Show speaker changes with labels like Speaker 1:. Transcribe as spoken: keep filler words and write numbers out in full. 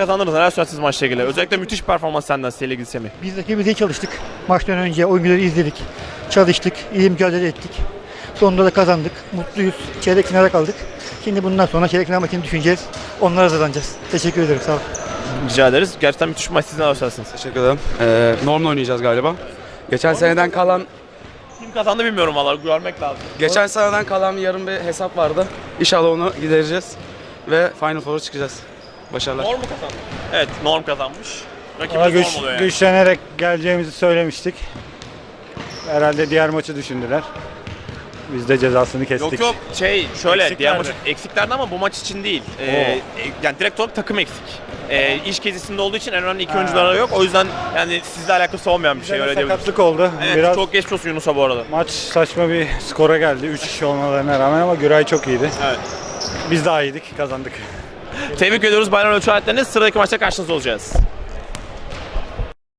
Speaker 1: kazandınız. Neler söylersiniz maçla ilgili? Özellikle müthiş performans senden sevgili ilgili Semih.
Speaker 2: Biz rakibimize iyi çalıştık. Maçtan önce oyuncuları izledik. Çalıştık. İyi mücadele ettik. Sonunda da kazandık. Mutluyuz. Çeyrek finale kaldık. Şimdi bundan sonra çeyrek final maçını düşüneceğiz. Onlara hazırlanacağız. Teşekkür ederim. Sağ olun.
Speaker 1: Rica ederiz. Gerçekten müthiş bir maç. Siz neler söylersiniz?
Speaker 3: Teşekkür ederim. Ee, Norm'la oynayacağız galiba. Geçen seneden kalan
Speaker 1: Kim kazandı bilmiyorum valla. Görmek lazım.
Speaker 3: geçen seneden kalan yarım bir hesap vardı. İnşallah onu gidereceğiz ve Final Four'a çıkacağız. Başarılar.
Speaker 1: Norm mu kazandı? Evet, Norm kazanmış.
Speaker 4: Daha
Speaker 1: Rakibimiz
Speaker 4: güç,
Speaker 1: Norm oluyor yani.
Speaker 4: güçlenerek geleceğimizi söylemiştik. Herhalde diğer maçı düşündüler. Biz de cezasını kestik.
Speaker 1: Yok yok şey şöyle
Speaker 4: Eksiklerdi.
Speaker 1: diğer maç eksiklerdi ama bu maç için değil. Ee, yani direkt olarak takım eksik. Ee, iş gezisinde olduğu için en önemli iki
Speaker 4: Ha.
Speaker 1: oyuncuları yok. O yüzden yani sizle alakası olmayan bir
Speaker 4: Bize
Speaker 1: şey
Speaker 4: de
Speaker 1: öyle diyebiliriz.
Speaker 4: sakatlık oldu.
Speaker 1: Evet,
Speaker 4: Biraz
Speaker 1: çok geçmiş olsun Yunus'a bu arada.
Speaker 4: maç saçma bir skora geldi. üç kişi olmalarına rağmen ama Güray çok iyiydi.
Speaker 1: Evet.
Speaker 4: Biz daha iyiydik, kazandık.
Speaker 1: Tebrik ediyoruz Bayram Ölçü Aletleriniz. Sıradaki maçta karşınızda olacağız.